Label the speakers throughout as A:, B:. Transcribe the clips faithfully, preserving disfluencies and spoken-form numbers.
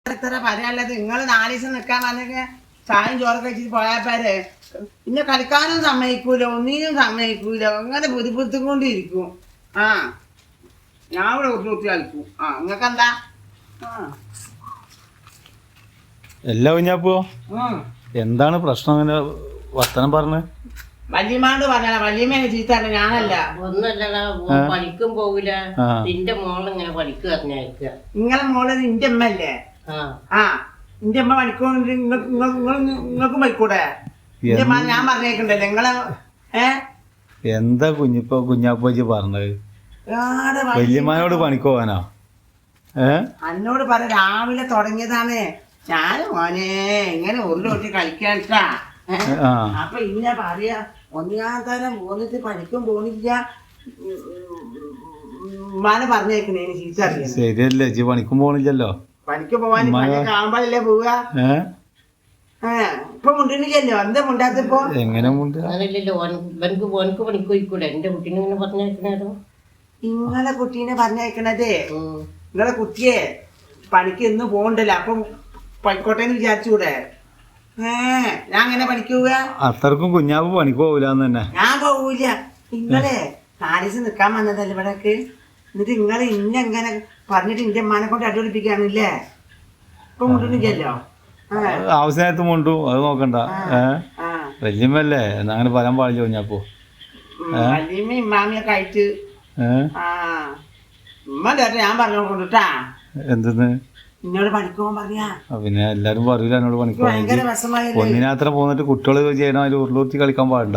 A: എത്ര പറയാനുള്ളത്? നിങ്ങൾ നാല് ദിവസം നിൽക്കാൻ പറഞ്ഞ ചായയും ചോറൊക്കെ വെച്ചിട്ട് പോയാപ്പാര് പിന്നെ കളിക്കാനും സമ്മതിക്കൂല, ഒന്നിനും സമ്മതിക്കൂല, അങ്ങനെ ബുദ്ധിമുട്ടും കൊണ്ടിരിക്കും. ആ ഞാൻ ഇവിടെ കുത്തി കളിക്കും. ആ നിങ്ങൾക്ക് എന്താ?
B: എല്ലാ കുഞ്ഞാപ്പോ എന്താണ് പ്രശ്നം? അങ്ങനെ വർത്തനം പറഞ്ഞ്
A: വല്യമാണ്ട് പറഞ്ഞാ വല്യമ്മേനെ ചീത്താണ്, ഞാനല്ല.
C: ഒന്നല്ലടാ, പഠിക്കും പോകില്ല. നിന്റെ മോളിങ്ങനെ പഠിക്കുക പറഞ്ഞയക്കുക.
A: നിങ്ങളെ മോള് നിന്റെ അമ്മ അല്ലേ? ആ നിന്റെ അമ്മ പഠിക്കൊണ്ട് നിങ്ങൾക്കും പഠിക്കൂടെ? നിന്റെ അമ്മ ഞാൻ പറഞ്ഞേക്കണ്ടല്ലേ നിങ്ങളെ. ഏ
B: എന്താ കുഞ്ഞിപ്പോ കുഞ്ഞാപ്പോച്ചി പറഞ്ഞത്? വല്യമ്മനോട് പണിക്ക് പോവാനോ? ഏ
A: എന്നോട് പറ രാവിലെ തുടങ്ങിയതാണ്. ഞാൻ മോനെ ഇങ്ങനെ ഉരുളൊട്ടി കളിക്കാട്ടാ. അപ്പൊ ഇന്ന പറയാ ഒന്നാം തരം പോന്നിട്ട് പണിക്കും പോണില്ല ഉമ്മാനെ പറഞ്ഞേക്കണേ ചീത്ത അറിയാം.
B: ശരിയല്ലേ, ചേച്ചി പണിക്കും പോണില്ലല്ലോ.
A: പണിക്ക് പോവാൻ കാണുമ്പോഴല്ലേ പോവുക. ഇപ്പൊ മുണ്ടില്ലല്ലോ, എന്താ മുണ്ടാത്തിപ്പോ?
B: എങ്ങനെ മുണ്ട?
C: അങ്ങനല്ലല്ലോ, ഓനക്ക് ഓനക്ക് പണിക്ക് പോയിക്കൂടെ? എന്റെ കുട്ടീനെ ഇങ്ങനെ പറഞ്ഞയക്കണോ?
A: നിങ്ങളെ കുട്ടീനെ പറഞ്ഞയക്കണതേ നിങ്ങളെ കുട്ടിയെ പണിക്ക് ഇന്ന് പോകണ്ടല്ലോ, അപ്പം പണിക്കോട്ടേന്ന് വിചാരിച്ചൂടെ? ഏ ഞാൻ അങ്ങനെ പണിക്ക് പോവുക?
B: അത്രക്കും കുഞ്ഞാവ് പണിക്ക് പോവില്ലാന്ന് തന്നെ.
A: ഞാൻ പോവൂല. നിങ്ങളെ നാലീസ് നിക്കാൻ വന്നതല്ലേ ഇവിടേക്ക്. എന്നിട്ട് നിങ്ങള് ഇന്നെങ്ങനെ പറഞ്ഞിട്ട് ഇന്റെ അമ്മാനെ കൊണ്ട് അടിപൊളിപ്പിക്കാണില്ലേ? ഇപ്പൊ മുണ്ടില്ലല്ലോ.
B: ആവശ്യമായിട്ട് മുണ്ടു, അത് നോക്കണ്ട. ഏഹ് വല്യമ്മല്ലേ, എന്നാ അങ്ങനെ പറയാൻ പാടില്ല കുഞ്ഞാപ്പോ.
A: വല്യമ്മ ഇമ്മാമിയൊക്കെ ആയിട്ട് ആ ഉമ്മ കേട്ടോ ഞാൻ പറഞ്ഞു കൊണ്ടിട്ടാ.
B: എന്തെന്ന്
A: എന്നോട് പണിക്കുപോകാൻ പറയാ.
B: പിന്നെ എല്ലാരും പറയൂല എന്നോട് പണിക്ക് പോകാൻ. ഒന്നിനാത്ര പോന്നിട്ട് കുട്ടികള് ചെയ്യണം, അതിൽ ഉരുളൂർത്തി കളിക്കാൻ പാടില്ല.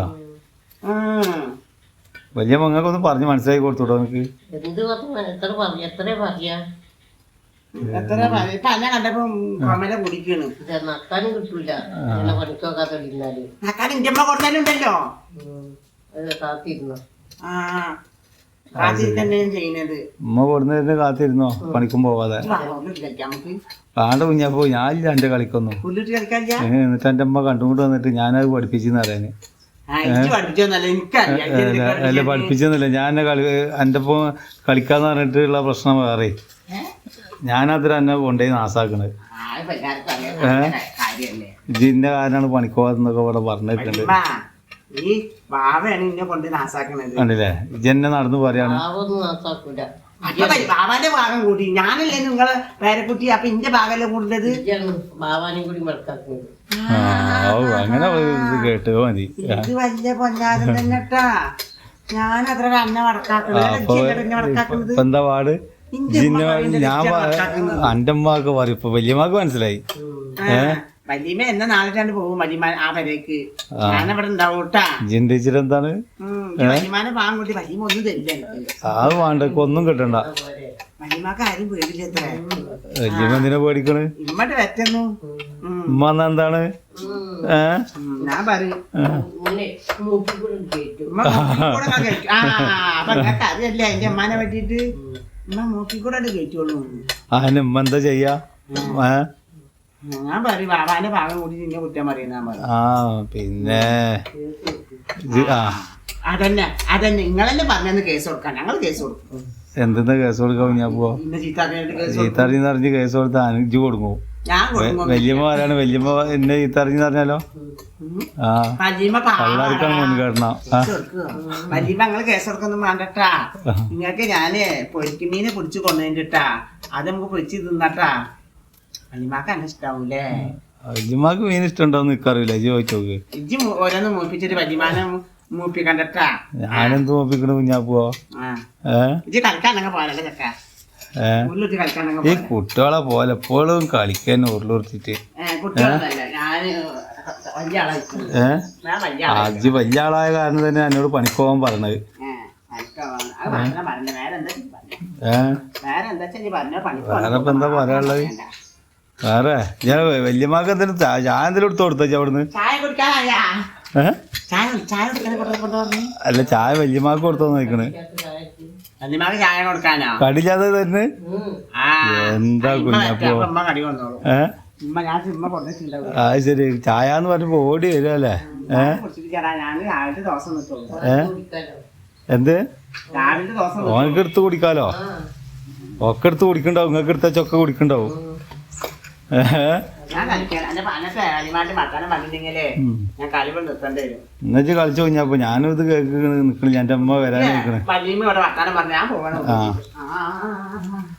B: വലിയ മങ്ങൾക്കൊന്ന് പറഞ്ഞ് മനസ്സിലാക്കി കൊടുത്തോട്ടോ എനിക്ക്.
C: എന്ത് പറഞ്ഞു? എത്ര പറഞ്ഞു? എത്ര പറയാ?
A: എത്ര ഇപ്പൊ അന്നെ കണ്ടപ്പോ കമല കുടിക്കണ്.
C: നക്കാനും കിട്ടൂല പണിക്ക് പോകാതെ
A: നക്കാൻ ഇന്റെ അമ്മ കൊടുത്താലുണ്ടല്ലോ.
C: കാത്തിരുന്നു.
A: ആ കാത്തിരിക്കന്നെയും ചെയ്യുന്നത്.
B: ഉമ്മ കൊടുന്നതിന് കാത്തിരുന്നോ പണിക്കും പോവാതെ? കാണ്ട കുഞ്ഞാപ്പോ ഞാനില്ല എന്റെ കളിക്കൊന്നും. എന്നിട്ട് എന്റെ അമ്മ കണ്ടുകൊണ്ട് വന്നിട്ട് ഞാനത് പഠിപ്പിച്ചെന്ന് അറിയാന്. അല്ല പഠിപ്പിച്ചെന്നില്ല, ഞാൻ കളി എൻ്റെ ഒപ്പം കളിക്കാന്ന് പറഞ്ഞിട്ടുള്ള പ്രശ്നം വേറെ. ഞാനതിൽ എന്നെ കൊണ്ടുപോയി നാസാക്കണത്. ഇതിന്റെ കാരണമാണ് പണിക്ക് പോകാതെന്നൊക്കെ ഇവിടെ പറഞ്ഞിട്ടുണ്ട്. കണ്ടില്ലേ, ഇജെന്നെ നടന്നു പറയാണ്.
A: ബാബാന്റെ ഭാഗം കൂടി ഞാനല്ലേ നിങ്ങളെ പേരക്കുട്ടി. അപ്പൊ ഇന്റെ ഭാഗമല്ലേ കൂടുതലത്.
B: അങ്ങനെ കേട്ടോ മതി.
A: ഇത് വലിയ പൊന്നാരം തന്നെട്ടാ. ഞാൻ അത്ര അന്ന വടക്കാക്കുന്നത്.
B: എന്താ പാട്? ഞാൻ എന്റെ അമ്മക്ക് പറയും, ഇപ്പൊ വല്യമ്മക്ക് മനസ്സിലായി. ഏഹ്
A: വല്യമ്മ എന്നെ നാളെ പോകും വല്യമ്മ ആ വരേക്ക്. ഞാനവിടെ ഉണ്ടാവും കേട്ടാ.
B: ജിന്റീച്ചർ എന്താണ്
A: വല്യമാനെ പാകം കൂട്ടി വല്യമ്മ ഒന്നും തരില്ല എനിക്ക്.
B: അത് വേണ്ട, ഒന്നും കിട്ടണ്ട.
A: വല്യമ്മക്ക് ആരും പേടില്ല.
B: വല്യമ്മ എന്തിനാ പേടിക്കണ്?
A: ഇമ്മട്ട് വെറ്റുന്നു.
B: ഉമ്മ എന്താണ്? ഏഹ്
A: ഞാൻ പറയും അറിയല്ലേ എന്റെ അമ്മാനെ പറ്റിട്ട്. ഉമ്മ മൂക്കിക്കൂടെ കയറ്റുള്ളൂ.
B: അതിന് ഉമ്മ എന്താ ചെയ്യാ? ഏഹ്
A: ഞാൻ പറയും ബാബാന്റെ ഭാഗം കൂടി നിന്നെ കുറ്റം പറയുന്ന.
B: ആ പിന്നെ
A: അതന്നെ അതന്നെ നിങ്ങളെന്നെ പറഞ്ഞെന്ന് കേസ് കൊടുക്കാൻ ഞങ്ങൾ കേസ് കൊടുക്കും.
B: എന്തെന്നാ കേസ് കൊടുക്കാം? ഞാൻ പോവാ ചീത്തറിഞ്ഞെന്ന് അറിഞ്ഞ് കേസ് കൊടുത്ത അനുജ് കൊടുക്കും. വല്യമ്മ ആരാണ്? വല്യമ്മ എന്നെ ചീത്തറിഞ്ഞെന്ന് പറഞ്ഞാലോ ആ കള്ളാർക്കാണ് മുൻഗണന.
A: വല്യമ്മ ഞങ്ങള് കേസ് കൊടുക്കൊന്നും വേണ്ടട്ടാ. നിങ്ങൾക്ക് ഞാന് പൊരിക്കുമീനെ പിടിച്ചു കൊണ്ടുവന്നിട്ടാ അത് നമുക്ക് പൊരിച്ച് തിന്നട്ടാ. വല്യമാക്ക് എന്നെ ഇഷ്ടാവൂലേ?
B: വല്യമാക്ക് മീൻ ഇഷ്ടമുണ്ടോന്ന് നിക്കറിയില്ല, ഇജ്ജ് ചോദിച്ചോക്ക്.
A: ഇജ്ജ് ഓരോന്ന് മൂപ്പിച്ചിട്ട് വല്യമാനെ മൂപ്പിക്കണ്ടട്ടാ.
B: ഞാനെന്ത് മൂപ്പിക്കണ കുഞ്ഞാപ്പോ?
A: ഇജ്ജ് കളിക്കാനങ്ങ് പോലല്ലേ ചക്ക.
B: ഈ കുട്ടികളെ പോലെ എപ്പോഴും കളിക്കാൻ ഉരുളുർത്തിട്ട്. അജ് വലിയ ആളായ കാരണം തന്നെ എന്നോട് പണിക്ക് പോകാൻ പറഞ്ഞത്. വേറെ ഇപ്പൊ എന്താ പറയാനുള്ളത്? വേറെ ഞാൻ വല്യമാക്ക് എന്തെങ്കിലും ചായ എന്തെങ്കിലും എടുത്ത് കൊടുത്തോ അവിടുന്ന്? അല്ല ചായ വല്യമാക്ക് കൊടുത്തോ നോക്കണ്. കടില്ലാതെ തന്നെ എന്താ കുഞ്ഞാപ്പോ? ഏഹ് അത് ശരി, ചായ എന്ന് പറഞ്ഞപ്പോ ഓടി വരുമല്ലേ? ഏഹ് എന്ത് ഓനക്ക് എടുത്ത് കുടിക്കാലോ? ഒക്കെ എടുത്ത് കുടിക്കണ്ടാവും, നിങ്ങൾക്ക് എടുത്ത ചൊക്കെ കുടിക്കണ്ടാവും.
A: ഞാൻ കളിക്കാൻ എന്റെ പനത്തെ അനിമായിട്ട് വർത്താനം പറഞ്ഞിട്ടുണ്ടെങ്കിലേ ഞാൻ കളിവ് നിർത്തേണ്ടി വരും.
B: എന്നുവെച്ച് കളിച്ചു കഴിഞ്ഞപ്പോ ഞാനും ഇത് കേൾക്കണ് നിക്കണില്ല. എന്റെ അമ്മ വരാൻ നിക്കണേ.
A: വല്യമ്മ ഇവിടെ വർത്താനം പറഞ്ഞ ഞാൻ പോകണം.
B: ആ